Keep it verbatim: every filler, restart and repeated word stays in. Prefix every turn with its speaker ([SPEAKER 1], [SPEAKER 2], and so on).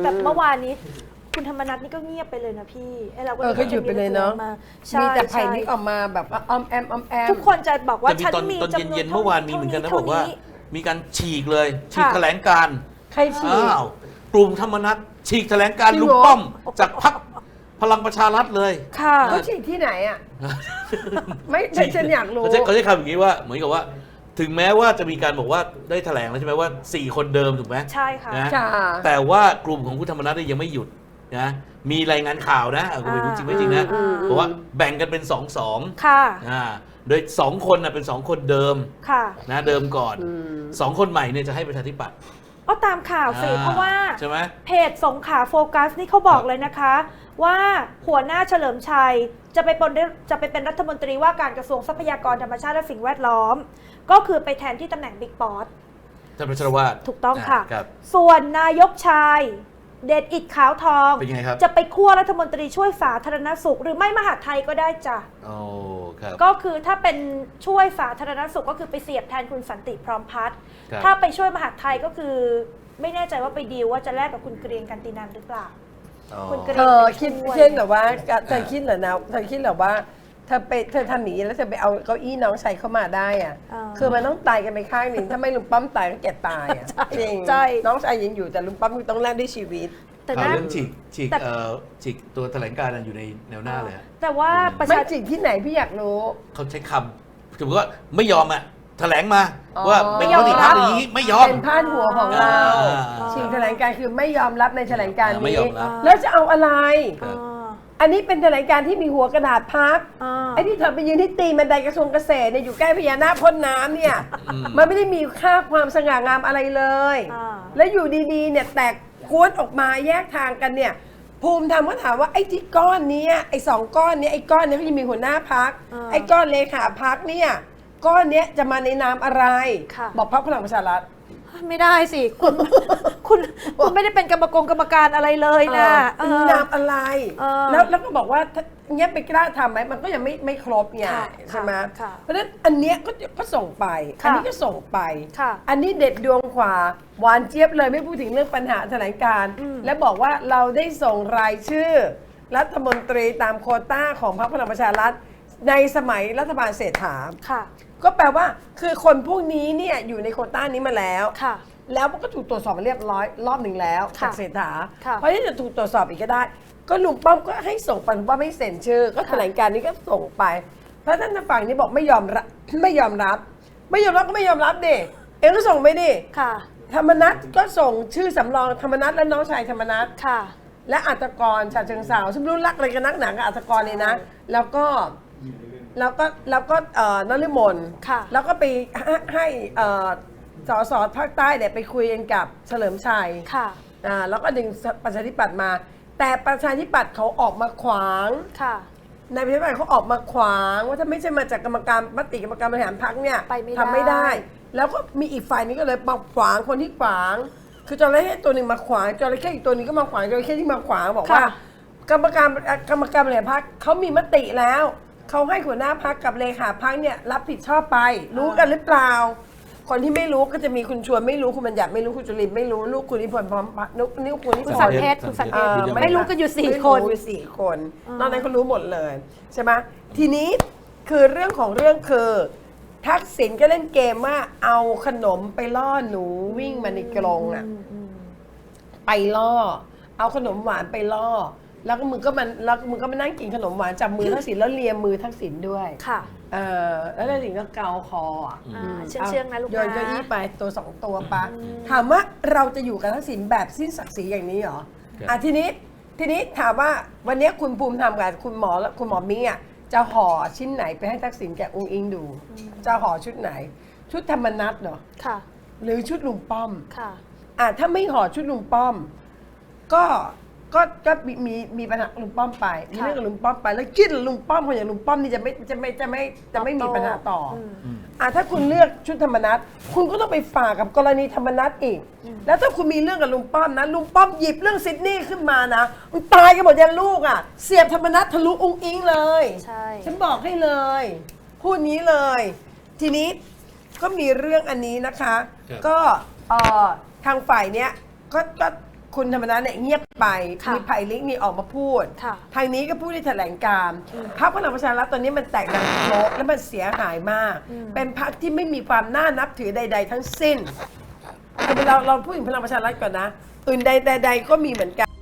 [SPEAKER 1] แบบเมื่อวานนี้คุณธรรมนัสนี่ก็เงียบไปเลยนะพี่ไอเราก็
[SPEAKER 2] เออเขาหยุดไปเลยเนาะมีแต่ไผ่นิกออกมาแบบออมแอมออมแอม
[SPEAKER 1] ทุกคนจะบอกว่าฉัน
[SPEAKER 3] ตอน
[SPEAKER 1] มี
[SPEAKER 3] ตอน
[SPEAKER 1] จำนวน
[SPEAKER 3] เย็นๆเมื่อวานมีเหมือนกันนะบอกว่า
[SPEAKER 1] เท่
[SPEAKER 3] มีการฉีกเลยฉีกแถลงการณ์
[SPEAKER 2] ใครฉีก
[SPEAKER 3] อ้าวกลุ่มธรรมนัสฉีกแถลงการณ์
[SPEAKER 2] จริง
[SPEAKER 3] ลุ
[SPEAKER 2] เห
[SPEAKER 3] ง
[SPEAKER 2] รอ
[SPEAKER 3] ป้อมจากพรรคพลังประชารัฐเลย
[SPEAKER 1] ค่ะ
[SPEAKER 2] เขาฉีกที่ไหนอ่ะ ไม่ฉันอยากรู้
[SPEAKER 3] เขาใช้เขาใช้คำอย่างนี้ว่าเหมือนกับว่า ถึงแม้ว่าจะมีการบอกว่าได้แถลงแล้วใช่ไหมว่าสี่คนเดิมถูกไหม
[SPEAKER 1] ใช่ค่ะ
[SPEAKER 3] นะ
[SPEAKER 2] ค่ะ
[SPEAKER 3] แต่ว่ากลุ่มของคุณธรรมนัสเนี่ยยังไม่หยุดนะมีรายงานข่าวนะเอาก็ไม่รู้จริงไม่จริงนะ
[SPEAKER 1] อืม
[SPEAKER 3] บอกว่าแบ่งกันเป็นสองสอง
[SPEAKER 1] ค่ะ
[SPEAKER 3] อ่าโดยสองคนนะเป็นสองคนเดิม
[SPEAKER 1] ค่ะ
[SPEAKER 3] นะเดิมก่อน
[SPEAKER 2] อืม
[SPEAKER 3] สองคนใหม่เนี่ยจะให้ประชาธิปัตย์
[SPEAKER 1] ก็ตามข่าวสิ
[SPEAKER 3] อ่า
[SPEAKER 1] เพราะว่า
[SPEAKER 3] ใช่ไหม
[SPEAKER 1] เพจสงขลาโฟกัสนี่เขาบอกเลยนะคะ ว่าหัวหน้าเฉลิมชัยจะไปเป็นจะไปเป็นรัฐมนตรีว่าการกระทรวงทรัพยากรธรรมชาติและสิ่งแวดล้อม ก็คือไปแทนที่ตำแหน่งบิ๊กป๊อต
[SPEAKER 3] ท่านประชรวาท
[SPEAKER 1] ถูกต้องค่ะ
[SPEAKER 3] ครับ
[SPEAKER 1] ส่วนนายกชาย เดชอิดขาวทอง
[SPEAKER 3] เป็นยังไงครับ
[SPEAKER 1] จะไปคั่วรัฐมนตรีช่วยสาธารณสุข หรือไม่มหาดไทยก็ได้จ้ะ
[SPEAKER 3] โอ้ครับ
[SPEAKER 1] ก็คือถ้าเป็นช่วยสาธารณสุขก็คือไปเสียบแทนคุณสันติพร้อมพัฒน์
[SPEAKER 3] ครับ
[SPEAKER 1] ถ้าไปช่วยมหาดไทยก็คือ ไม่แน่ใจว่าไปดีลว่าจะแลกกับคุณเกรียงกันตินันหรือเปล่า
[SPEAKER 3] อ๋อ
[SPEAKER 1] คุณกระ
[SPEAKER 2] เธอคิดเช่นแบบว่าเธอคิดเหรอนะเธอคิดเหรอว่าเธอไปเธอทำหนีแล้วเธอไปเอาเก้าอี้น้องชายเข้ามาได้อ่ะ
[SPEAKER 1] อ่า
[SPEAKER 2] คือมันต้องตายกันไปข้างหนึ่งถ้าไม่ลุงป้อมตายก็แกตายอ่ะ
[SPEAKER 1] ใช่
[SPEAKER 2] จริง
[SPEAKER 1] ใช่
[SPEAKER 2] น้องชายยังอยู่แต่ลุงป้อมต้องแลกด้วยชีวิต
[SPEAKER 1] แต่
[SPEAKER 3] ข่าว
[SPEAKER 1] นะ
[SPEAKER 3] เรื่องฉีกฉีก
[SPEAKER 1] แต่
[SPEAKER 3] เอ่อฉีกตัวแถลงการณ์นั้นอยู่ในแนวหน้าเลยฮะ
[SPEAKER 1] แต่ว่าประ
[SPEAKER 2] ไม่
[SPEAKER 1] ชา
[SPEAKER 2] จริงที่ไหนพี่อยากรู้
[SPEAKER 3] เขาใช้คำถือว่าไม่ยอมอ่ะแถลงมา
[SPEAKER 2] อ๋อ
[SPEAKER 3] ว่าเป็นมติพรรคอย่างนี้ไม่ยอม
[SPEAKER 2] เป็นพาดหัวของเรา
[SPEAKER 3] อ่า
[SPEAKER 2] ชิงแถลงการคือไม่ยอมรับในแถลงการ
[SPEAKER 3] ไม่
[SPEAKER 2] นี้
[SPEAKER 3] ยอมรับ
[SPEAKER 2] แล้วจะเอาอะไร
[SPEAKER 3] ครับ
[SPEAKER 1] อ่า
[SPEAKER 2] อันนี้เป็นแถลงการที่มีหัวกระดาษพับ
[SPEAKER 1] อ่า
[SPEAKER 2] ไอ้ที่เธอไปยืนที่ตีนบันไดกระทรวงเกษตรเนี่ยอยู่ใกล้พญานาคพ่นน้ำเนี่ย
[SPEAKER 3] อืม
[SPEAKER 2] มันไม่ได้มีค่าความสง่างามอะไรเลย
[SPEAKER 1] อ่า
[SPEAKER 2] แล้วอยู่ดีๆเนี่ยแตกกวนออกมาแยกทางกันเนี่ย ภูมิธรรมก็ถามว่าไอ้ที่ก้อนเนี้ยไอ้สองก้อนเนี้ยไอ้ก้อนเนี้ยเขาจะมีหัวหน้าพัก
[SPEAKER 1] อ่า
[SPEAKER 2] ไอ้ก้อนเลขาพักเนี่ยก้อนเนี้ยจะมาในนามอะไร
[SPEAKER 1] ค่ะ
[SPEAKER 2] บอกพรรคพลังประชารัฐ
[SPEAKER 1] ไม่ได้สิ คุณ คุณคุณไม่ได้เป็นกรรมกรกรรมการอะไรเลยนะ
[SPEAKER 2] เออมีนามอะไร
[SPEAKER 1] เออ
[SPEAKER 2] แล้วแล้วก็บอกว่าถ้าเงี้ยไปกล้าทำไหมมันก็ยังไม่ไม่ครบไง
[SPEAKER 1] ค่ะ
[SPEAKER 2] ใช่ไหม
[SPEAKER 1] ค่ะ
[SPEAKER 2] เพราะฉะนั้นอันเนี้ยก็ก็ส่งไป
[SPEAKER 1] ค่ะ
[SPEAKER 2] อันนี้ก็ส่งไป
[SPEAKER 1] ค่ะ
[SPEAKER 2] อันนี้เด็ดดวงขวาหวานเจี๊ยบเลยไม่พูดถึงเรื่องปัญหาแถลงการณ์
[SPEAKER 1] อืม
[SPEAKER 2] และบอกว่าเราได้ส่งรายชื่อ รัฐมนตรีตามโควต้าของพรรคพลังประชารัฐในสมัยรัฐบาลเศรษฐา
[SPEAKER 1] ค่ะ
[SPEAKER 2] ก็แปลว่าคือคนพวกนี้เนี่ยอยู่ในโควต้านี้มาแล้ว
[SPEAKER 1] ค่ะ
[SPEAKER 2] แล้วมันก็ถูกตรวจสอบมาเรียบร้อยรอบหนึ่งแล้ว
[SPEAKER 1] ค่ะ
[SPEAKER 2] จากเศรษฐา
[SPEAKER 1] ค่ะ
[SPEAKER 2] เพราะที่จะถูกตรวจสอบอีกก็ได้ ก็ลุงป้อมก็ให้ส่งไปลุงป้อมไม่เซ็นชื่อ ก็แถลงการณ์นี้ก็ส่งไปเพราะท่านทางฝั่งนี้บอกไม่ยอมรับ ไม่ยอมรับ ไม่ยอมรับก็ไม่ยอมรับดิเองก็ส่งไปดิ
[SPEAKER 1] ค่ะ
[SPEAKER 2] ธรรมนัตก็ส่งชื่อสำรองธรรมนัตและน้องชายธรรมนัต
[SPEAKER 1] ค่ะ
[SPEAKER 2] และอัตกรชาเชิงสาวซึ่งไม่รู้รักอะไรกันนักหนากับอัตกรเลยนะ แล้วก็แล้วก็แล้วก็เอ่อนฤมล
[SPEAKER 1] ค่ะ
[SPEAKER 2] แล้วก็ไปให้ให้เอ่อสสภาคใต้เนี่ยไปคุยกันกับเฉลิมชัย
[SPEAKER 1] ค่ะ
[SPEAKER 2] อ่าแล้วก็ดึงประชาธิปัตย์มา แต่ประชาธิปัตย์เขาออกมาขวาง
[SPEAKER 1] ค่ะ
[SPEAKER 2] นายประชาธิปัตย์เขาออกมาขวางว่าถ้าไม่ใช่มาจากกรรมการมติกรรมการบริหารพรรคเนี่ย
[SPEAKER 1] ไปไม่ได้
[SPEAKER 2] ทำไม่ได้ แล้วก็มีอีกฝ่ายนึงก็เลยมาขวางคนที่ขวาง คือจระเข้ตัวหนึ่งมาขวางจระเข้อีกตัวหนึงก็มาขวางจระเข้ที่มาขวางบอกว่า
[SPEAKER 1] ค่ะ
[SPEAKER 2] กรรมการกรรมการบริหารพรรคเขามีมติแล้วเขาให้หัวหน้าพรรคกับเลขาพรรคเนี่ยรับผิดชอบไป รู้กันหรือเปล่า คนที่ไม่รู้ก็จะมีคุณชวนไม่รู้คุณบัญญัติไม่รู้คุณจุลินไม่รู้ลูกคุณนิพนธ์พร้อมพัฒน์นุกนิ้วคุณนิ
[SPEAKER 1] คุณ
[SPEAKER 2] พ
[SPEAKER 1] สั
[SPEAKER 2] น
[SPEAKER 1] น
[SPEAKER 2] ธ์
[SPEAKER 1] เพชรคุณสันเพ
[SPEAKER 2] เอ่
[SPEAKER 1] ชร
[SPEAKER 2] อ
[SPEAKER 1] ไม่รู้กันอยู่สี่
[SPEAKER 2] ไม่รู้
[SPEAKER 1] คน
[SPEAKER 2] อยู่สี่คน
[SPEAKER 1] อ่าน
[SPEAKER 2] อกนั้นเขารู้หมดเลยใช่ไหมทีนี้คือเรื่องของเรื่องคือทักษิณก็เล่นเกมว่าเอาขนมไปล่อหนูวิ่งมาในกรงอ่ะ ไปล่อ เอาขนมหวานไปล่อ แล้วก็มึงก็มันแล้วมึงก็มานั่งกินขนมหวานจับมือทักษิณแล้วเลียมือทักษิณด้วย
[SPEAKER 1] ค่ะ
[SPEAKER 2] เออแล้วทักษิณก็เกาคออ่ะ
[SPEAKER 1] อ่าเชื่องเชื่องนะลูกนะ
[SPEAKER 2] โยนเก้าอี้ไปตัวสองตัวปะถามว่าเราจะอยู่กับทักษิณแบบสิ้นศักดิ์ศรีอย่างนี้เหรอ
[SPEAKER 3] ครับ
[SPEAKER 2] อ่ะทีนี้ทีนี้ถามว่าวันนี้คุณภูมิธรรมกับคุณหมอและคุณหมอมิ้งอ่ะจะห่อชิ้นไหนไปให้ทักษิณแกองค์อิงดู จะห่อชุดไหน ชุดธรรมนัตเหรอ
[SPEAKER 1] ค่ะ
[SPEAKER 2] หรือชุดลุงป้อม
[SPEAKER 1] ค่ะ
[SPEAKER 2] อ่ะถ้าไม่ห่อชุดลุงป้อม ก็ก็ก็มีมีมีปัญหากับลุงป้อมไปมีเรื่องกับลุงป้อมไป แล้วคิดลุงป้อมคนอย่างลุงป้อมนี่จะไม่จะไม่จะไม่จะไม่มีปัญหาต่ออ
[SPEAKER 1] ม
[SPEAKER 2] อ่ะถ้าคุณเลือกชุดธรรมนัตคุณก็ต้องไปฝากกับกรณีธรรมนัตอีก แล้วถ้าคุณมีเรื่องกับลุงป้อมนะลุงป้อมหยิบเรื่องซิดนีย์ขึ้นมานะมันตายกันหมดยันลูกอ่ะเสียบธรรมนัตทะลุองค์อิงเลย
[SPEAKER 1] ใช่
[SPEAKER 2] ฉันบอกให้เลย พูดนี้เลย ทีนี้ก็มีเรื่องอันนี้นะคะ
[SPEAKER 3] ครับ
[SPEAKER 2] ก็เอ่อทางฝ่ายเนี้ยก็ก็คุณธรรมนัสเนี่ยเงียบไป
[SPEAKER 1] ค่ะ
[SPEAKER 2] มีไผ่ลิกนี่ออกมาพูด
[SPEAKER 1] ค่ะ
[SPEAKER 2] ทางนี้ก็พูดในแถลงการณ์พรรคพลังประชารัฐตอนนี้มันแตกดังโลกและมันเสียหายมาก
[SPEAKER 1] อืม
[SPEAKER 2] เป็นพรรคที่ไม่มีความน่านับถือใด ๆ ทั้งสิ้นคือเราเราพูดถึงพลังประชารัฐก่อนนะอื่นใดๆก็มีเหมือนกัน